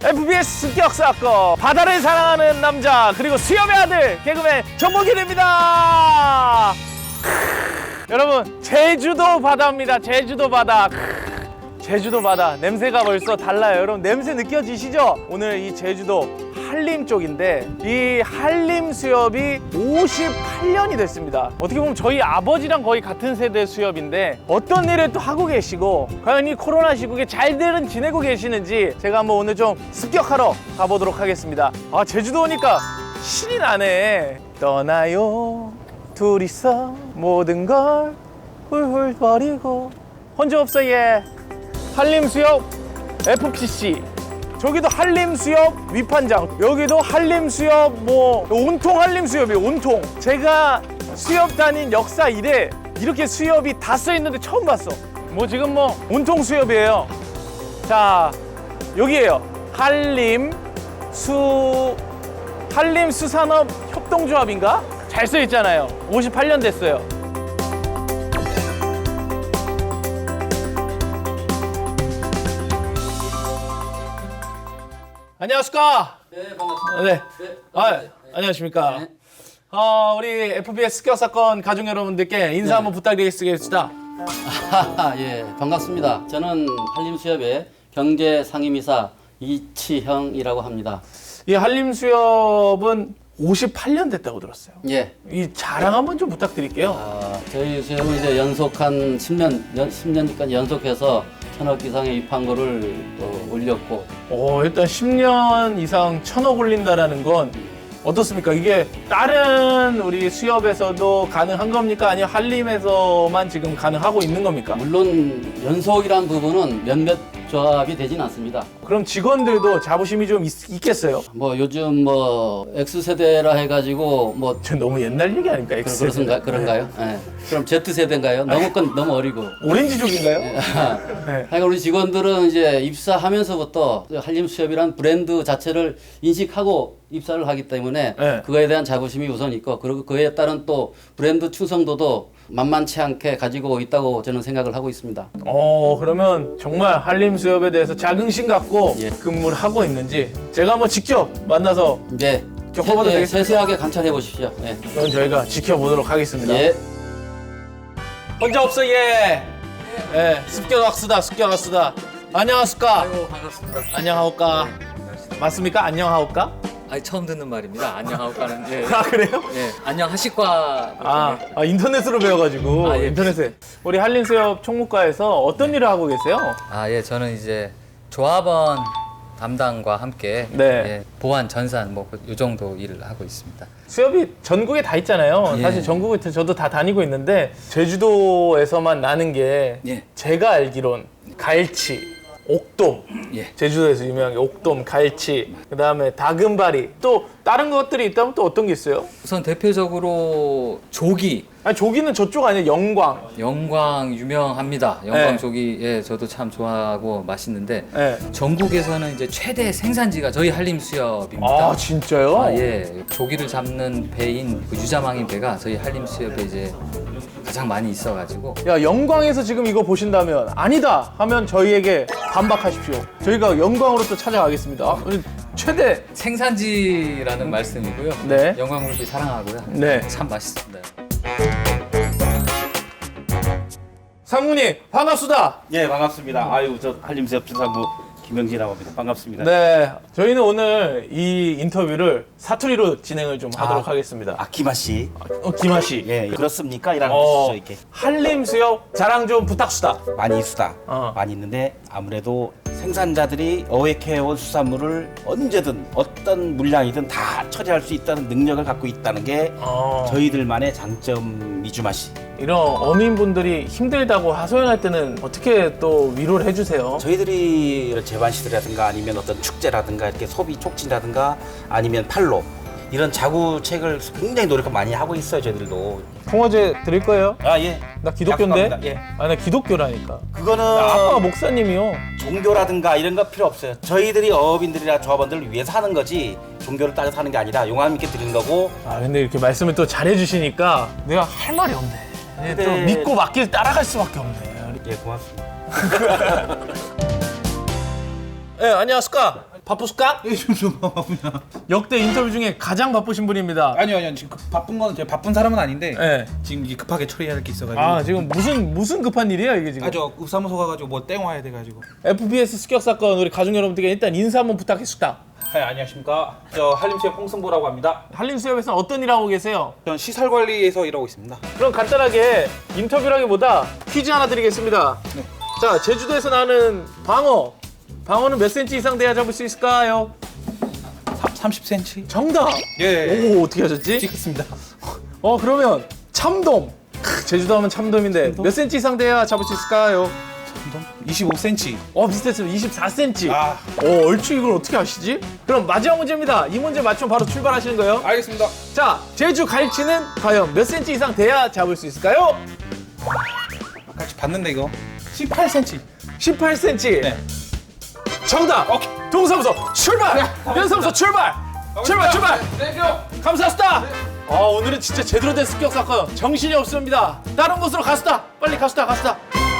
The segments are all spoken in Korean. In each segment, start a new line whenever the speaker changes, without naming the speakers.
FBS 습격 사건 바다를 사랑하는 남자 그리고 수염의 아들 개그맨 정목일입니다. 여러분 제주도 바다입니다. 제주도 바다. 제주도 바다 냄새가 벌써 달라요. 여러분 냄새 느껴지시죠? 오늘 이 제주도 한림 쪽인데 이 한림 수협이 58년이 됐습니다. 어떻게 보면 저희 아버지랑 거의 같은 세대 수협인데 어떤 일을 또 하고 계시고 과연 이 코로나 시국에 잘들은 지내고 계시는지 제가 한번 오늘 좀 습격하러 가보도록 하겠습니다. 아 제주도 오니까 신이 나네. 떠나요 둘이서 모든 걸 훌훌 버리고 혼자 없어 예. 한림수협 FPC 저기도 한림수협 위판장 여기도 한림수협 뭐 온통 한림수협이에요. 온통 제가 수협 다닌 역사 이래 이렇게 수협이 다 써있는데 처음 봤어. 뭐 지금 뭐 온통 수협이에요. 자 여기에요. 한림수산업 협동조합인가? 잘 써있잖아요. 58년 됐어요. 안녕하십니까?
네, 반갑습니다.
네.
네,
안녕하십니까?
네.
우리 FBS 습격 사건 가족 여러분들께 인사
네.
한번 부탁드리겠습니다.
예, 반갑습니다. 저는 한림수협의 경제상임이사 이치형이라고 합니다.
이 한림수협은 58년 됐다고 들었어요.
예.
이 자랑 한번 좀 부탁드릴게요.
저희 수협은 이제 연속 한 10년까지 연속해서 1,000억 이상의 입항고를 올렸고.
일단 10년 이상 1,000억 올린다라는 건 어떻습니까? 이게 다른 우리 수협에서도 가능한 겁니까? 아니면 한림에서만 지금 가능하고 있는 겁니까?
물론 연속이란 부분은 몇몇 조합이 되진 않습니다.
그럼 직원들도 자부심이 좀 있겠어요?
뭐 요즘 뭐 X세대라 해가지고 뭐
저 너무 옛날 얘기 아닙니까? X세대.
그런가요? 예. 그럼 Z세대인가요? 너무 어리고.
오렌지족인가요? 네.
하여간 우리 직원들은 이제 입사하면서부터 한림수협이란 브랜드 자체를 인식하고 입사를 하기 때문에
네.
그거에 대한 자부심이 우선 있고 그리고 그에 따른 또 브랜드 충성도도 만만치 않게 가지고 있다고 저는 생각을 하고 있습니다.
그러면 정말 한림수협에 대해서 자긍심 갖고
예.
근무를 하고 있는지 제가 한번 직접 만나서
네.
겪어봐도 되겠습니까?
세세하게 관찰해 보십시오. 예.
그럼 저희가 지켜보도록 하겠습니다.
예.
혼자 없어 예. 예. 습격학수다 습격학수다. 안녕하십니까?
아이고 반갑습니다.
안녕하오까? 맞습니까? 안녕하오까?
아니 처음 듣는 말입니다. 안녕하오까는 예.
아 그래요?
예. 안녕하실까.
인터넷으로 배워가지고
아, 예.
인터넷에 우리 한림수협 총무과에서 어떤 일을 하고 계세요?
예. 저는 이제 조합원 담당과 함께
네.
예, 보안 전산 뭐 이 정도 일을 하고 있습니다.
수협이 전국에 다 있잖아요.
예.
사실 전국에 저도 다 다니고 있는데 제주도에서만 나는 게
예.
제가 알기론 갈치, 옥돔,
예.
제주도에서 유명한 게 옥돔, 갈치, 그다음에 다금바리 또 다른 것들이 있다면 또 어떤 게 있어요?
우선 대표적으로 조기
아니 조기는 저쪽 아니에요? 영광.
영광 유명합니다. 영광
네.
조기 예, 저도 참 좋아하고 맛있는데
네.
전국에서는 이제 최대 생산지가 저희 한림수협입니다.
아 진짜요?
예. 조기를 잡는 배인 그 유자망인 배가 저희 한림수협에 이제 가장 많이 있어가지고
야 영광에서 지금 이거 보신다면 아니다 하면 저희에게 반박하십시오. 저희가 영광으로 또 찾아가겠습니다. 우리 최대.
생산지라는 말씀이고요.
네.
영광물비 사랑하고요.
네.
참 맛있습니다.
상무님 반갑습니다.
예, 반갑습니다. 아유, 저 한림수협 주사부 김영진이라고 합니다. 반갑습니다.
네, 저희는 오늘 이 인터뷰를 사투리로 진행을 좀 하도록 하겠습니다.
김하 씨.
김하 씨.
예, 그렇습니까? 이라는
어,
뜻이죠, 이렇게.
한림수협 자랑 좀 부탁수다.
많이 있수다.
어.
많이 있는데 아무래도 생산자들이 어획해온 수산물을 언제든 어떤 물량이든 다 처리할 수 있다는 능력을 갖고 있다는 게 저희들만의 장점이죠, 맛이.
이런 어민분들이 힘들다고 하소연할 때는 어떻게 또 위로를 해주세요?
저희들이 재반시들이라든가 아니면 어떤 축제라든가 이렇게 소비 촉진이라든가 아니면 팔로 이런 자구책을 굉장히 노력을 많이 하고 있어요, 저희들도.
통화제 드릴 거예요?
아, 예.
나 기독교인데?
약속합니다. 예.
아, 나 기독교라니까.
그거는
나 아빠가 목사님이요.
종교라든가 이런 거 필요 없어요. 저희들이 어업인들이나 조합원들을 위해서 하는 거지 종교를 따져서 하는 게 아니라 용감 있게 드리는 거고.
근데 이렇게 말씀을 또 잘해주시니까 내가 할 말이 없네. 또
네.
믿고 맡길 따라갈 수밖에 없네.
예, 고맙습니다.
네, 안녕하십니까? 바쁘실까?
좀 바쁘냐?
역대 인터뷰 중에 가장 바쁘신 분입니다.
아니요 지금 바쁜 거는 제가 바쁜 사람은 아닌데
네.
지금 이게 급하게 처리해야 할 게 있어가지고.
아 지금 무슨 급한 일이에요 이게 지금?
저 읍사무소 가가지고 뭐 땡 와야 돼가지고.
FPS 습격 사건 우리 가족 여러분들께 일단 인사 한번 부탁했습니다.
네, 안녕하십니까. 저 한림수협 홍승보라고 합니다.
한림수협에서 어떤 일 하고 계세요?
전 시설 관리에서 일하고 있습니다.
그럼 간단하게 인터뷰라기보다 퀴즈 하나 드리겠습니다.
네.
자, 제주도에서 나는 방어는 몇 센치 이상 돼야 잡을 수 있을까요?
30cm.
정답!
예.
오, 어떻게 하셨지?
찍겠습니다.
그러면 참돔. 제주도 하면 참돔인데 몇 센치 이상 돼야 잡을 수 있을까요?
25cm.
비슷했습니다. 24cm.
아,
얼추 이걸 어떻게 아시지? 그럼 마지막 문제입니다. 이 문제 맞추면 바로 출발하시는 거예요.
알겠습니다.
자, 제주 갈치는 과연 몇 센치 이상 돼야 잡을 수 있을까요?
같이 봤는데 이거 18cm.
18cm.
네.
정답.
오케이.
동사무소 출발. 연사무소 출발. 출발. 감사합니다. 오늘은 진짜 제대로 된 습격 사건. 정신이 없습니다. 다른 곳으로 가시다. 빨리 가시다.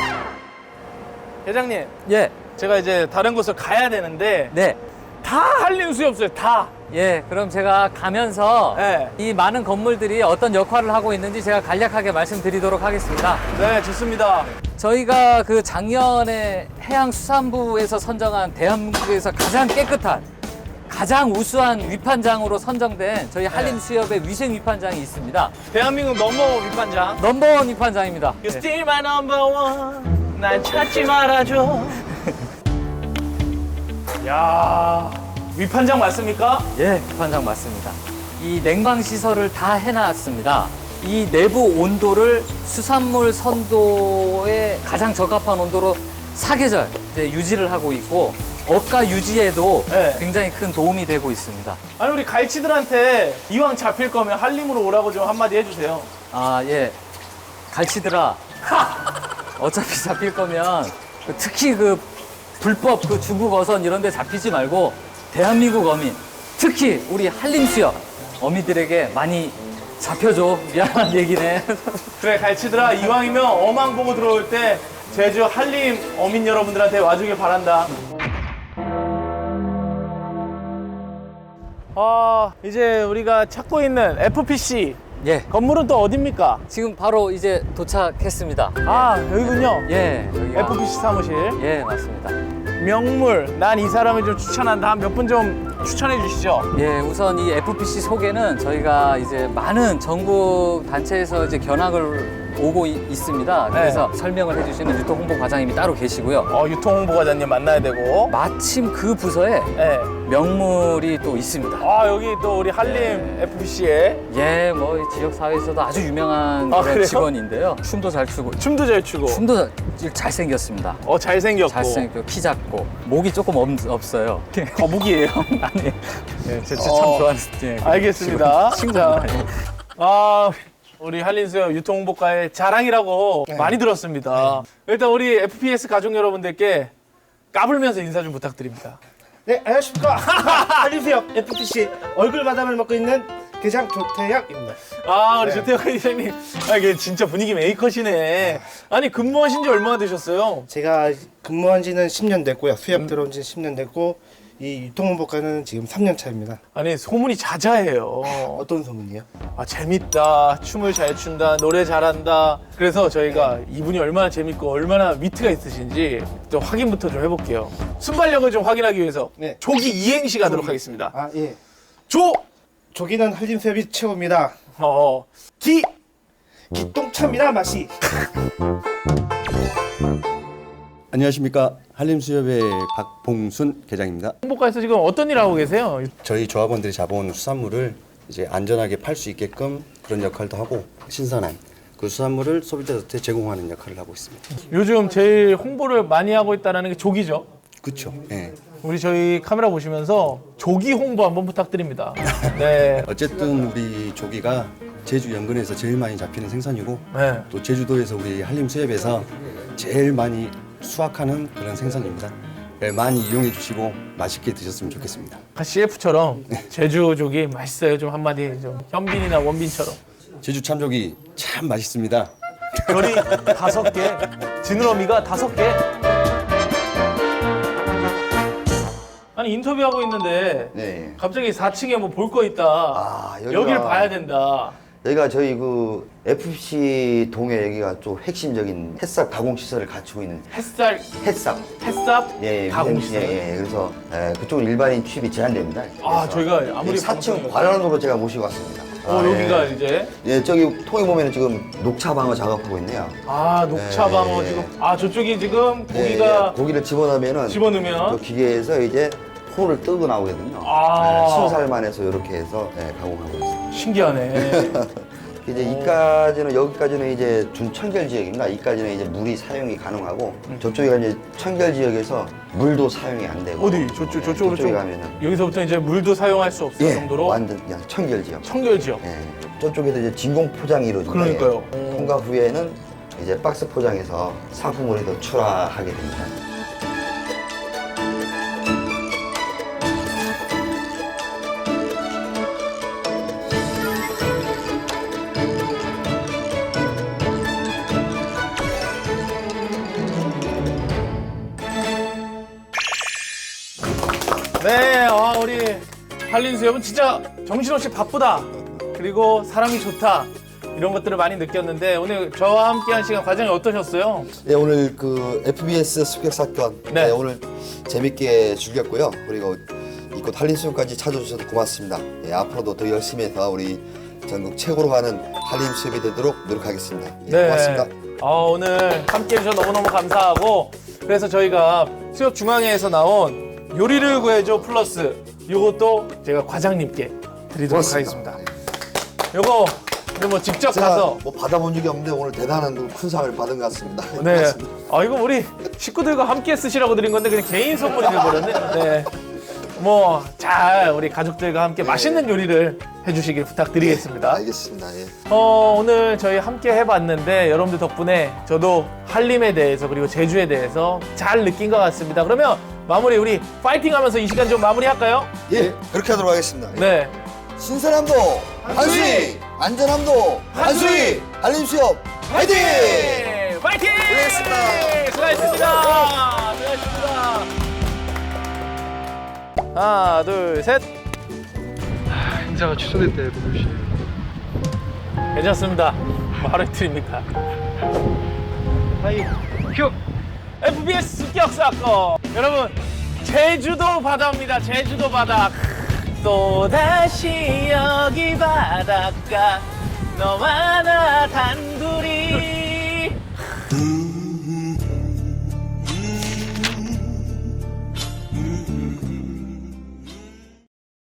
회장님,
예,
제가 이제 다른 곳으로 가야 되는데
네.
다 한림수협소에 다.
예, 그럼 제가 가면서
네.
이 많은 건물들이 어떤 역할을 하고 있는지 제가 간략하게 말씀드리도록 하겠습니다.
네, 좋습니다.
저희가 그 작년에 해양수산부에서 선정한 대한민국에서 가장 깨끗한, 가장 우수한 위판장으로 선정된 저희 한림수협의 위생 위판장이 있습니다.
대한민국 넘버원 위판장.
넘버원 위판장입니다.
You still my number one. 날 찾지 말아줘. 야, 위판장 맞습니까?
예, 위판장 맞습니다. 이 냉방 시설을 다 해놨습니다. 이 내부 온도를 수산물 선도에 가장 적합한 온도로 사계절 이제 유지를 하고 있고 어가 유지에도
네.
굉장히 큰 도움이 되고 있습니다.
아니 우리 갈치들한테 이왕 잡힐 거면 한림으로 오라고 좀 한마디 해주세요.
아, 예. 갈치들아. 어차피 잡힐 거면 특히 그 불법 그 중국 어선 이런 데 잡히지 말고 대한민국 어민, 특히 우리 한림수협 어민들에게 많이 잡혀줘. 미안한 얘기네.
그래 갈치들아, 이왕이면 어망 보고 들어올 때 제주 한림 어민 여러분들한테 와주길 바란다. 이제 우리가 찾고 있는 FPC
예.
건물은 또 어딥니까?
지금 바로 이제 도착했습니다.
여기군요.
예. 여기가.
FPC 사무실.
예, 맞습니다.
명물, 난 이 사람을 좀 추천한다. 한 몇 분 좀 추천해 주시죠.
예, 우선 이 FPC 소개는 저희가 이제 많은 전국 단체에서 이제 견학을 오고 있습니다. 그래서 설명을 해주시는 유통홍보과장님이 따로 계시고요.
유통홍보과장님 만나야 되고.
마침 그 부서에
네.
명물이 또 있습니다.
여기 또 우리 한림 FPC에
예, 뭐 이 지역 사회에서도 아주 유명한 그런
그래요?
직원인데요. 춤도 잘 추고,
춤도 잘 추고.
춤도 잘생겼습니다.
잘생겼고.
잘생겼고 키 작고 목이 조금 없어요.
거북이에요.
아니, 예, 저 참 좋아하는. 예,
알겠습니다.
친구입니다.
우리 한림수협 유통홍보과의 자랑이라고 많이 들었습니다. 일단 우리 FPS 가족 여러분들께 까불면서 인사 좀 부탁드립니다.
네, 안녕하십니까. 한림수협 FPC 얼굴 마담을 맡고 있는 계장 조태혁입니다.
우리 조태혁 회장님. 이게 진짜 분위기 메이커시네. 아니, 근무하신 지 얼마나 되셨어요?
제가 근무한 지는 10년 됐고요. 수협 들어온 지는 10년 됐고 이 유통홍보과는 지금 3년 차입니다.
아니, 소문이 자자해요.
어떤 소문이요?
재밌다, 춤을 잘 춘다, 노래 잘한다. 그래서 저희가 이분이 얼마나 재밌고 얼마나 위트가 있으신지 좀 확인부터 좀 해볼게요. 순발력을 좀 확인하기 위해서
네.
조기 이행시 가도록 하겠습니다.
예.
조!
조기는 한림수협이 최고입니다.
기!
기똥차입니다, 맛이.
안녕하십니까. 한림수협의 박봉순 계장입니다.
홍보과에서 지금 어떤 일 하고 계세요?
저희 조합원들이 잡아온 수산물을 이제 안전하게 팔 수 있게끔 그런 역할도 하고 신선한 그 수산물을 소비자한테 제공하는 역할을 하고 있습니다.
요즘 제일 홍보를 많이 하고 있다는 게 조기죠.
그렇죠. 예.
우리 저희 카메라 보시면서 조기 홍보 한번 부탁드립니다. 네.
어쨌든 우리 조기가 제주 연근에서 제일 많이 잡히는 생선이고
네.
또 제주도에서 우리 한림수협에서 제일 많이 수확하는 그런 생선입니다. 예, 많이 이용해 주시고 맛있게 드셨으면 좋겠습니다.
CF처럼 제주 조기 맛있어요. 좀 한마디 좀 현빈이나 원빈처럼.
제주 참조기 참 맛있습니다.
별이 5개, 지느러미가 5개. 아니 아니 인터뷰하고 있는데
네.
갑자기 4층에 뭐 볼 거 있다.
아,
여기를 봐야 된다.
여기가 저희 그 FFC 동에 여기가 좀 핵심적인 햇삽 가공 시설을 갖추고 있는
햇살,
햇삽.
햇삽
예,
가공시설.
예. 그래서 그쪽은 일반인 취입이 제한됩니다.
아,
그래서
저희가 아무리
4층 관원으로 제가 모시고 왔습니다.
여기가
예.
이제
예, 저기 통에 보면 지금 녹차방어 작업하고 있네요.
녹차방어
예.
지금 저쪽이 지금
예,
고기가
예. 고기를 집어넣으면은
집어넣으면
저 기계에서 이제 포를 뜨고 나오거든요. 순살만 해서 이렇게 해서 가공하고 있습니다.
신기하네.
이제 여기까지는 이제 준청결 지역입니다. 이까지는 이제 물이 사용이 가능하고 저쪽에 이제 청결 지역에서 물도 사용이 안 되고
어디 저쪽으로
저쪽에
좀
가면은
여기서부터 이제 물도 사용할 수 없을 정도로
완전 그냥 청결 지역.
청결 지역.
예. 저쪽에도 이제 진공 포장이 이루어집니다.
그러니까요.
예. 통과 후에는 이제 박스 포장해서 상품으로 더 출하하게 됩니다.
네, 우리 한린수 여러분 진짜 정신없이 바쁘다. 그리고 사람이 좋다. 이런 것들을 많이 느꼈는데 오늘 저와 함께한 시간 과정이 어떠셨어요?
네, 오늘 그 FBS 습격 사건
네.
오늘 재밌게 즐겼고요. 그리고 이곳 한림수협까지 찾아주셔서 고맙습니다. 앞으로도 더 열심히 해서 우리 전국 최고로 가는 한림수협이 되도록 노력하겠습니다. 고맙습니다.
오늘 함께 해주셔서 너무너무 감사하고 그래서 저희가 수협 중앙회에서 나온 요리를 구해줘 플러스 요것도 제가 과장님께 드리도록
고맙습니다.
하겠습니다. 요거 근데 뭐 직접 가서
뭐 받아본 적이 없는데 오늘 대단한 큰 상을 받은 것 같습니다.
네.
고맙습니다.
이거 우리 식구들과 함께 쓰시라고 드린 건데 그냥 개인 선물이 돼버렸네. 네. 뭐 잘 우리 가족들과 함께 맛있는 요리를 해주시길 부탁드리겠습니다.
알겠습니다. 예.
오늘 저희 함께 해봤는데 여러분들 덕분에 저도 한림에 대해서 그리고 제주에 대해서 잘 느낀 것 같습니다. 그러면 마무리 우리 파이팅하면서 이 시간 좀 마무리할까요?
예, 그렇게 하도록 하겠습니다.
네.
신선함도 한수위, 안전함도 한수위, 한림수협 화이팅!
파이팅!
고생했습니다.
수고하셨습니다. 수고하셨습니다. 하나, 둘, 셋.
행사가 취소됐대, 그것이.
괜찮습니다. 뭐 하루 이틀입니까? 큐! FBS 습격 사건! 여러분, 제주도 바다입니다. 제주도 바다. 또다시 여기 바닷가 너와 나 단둘이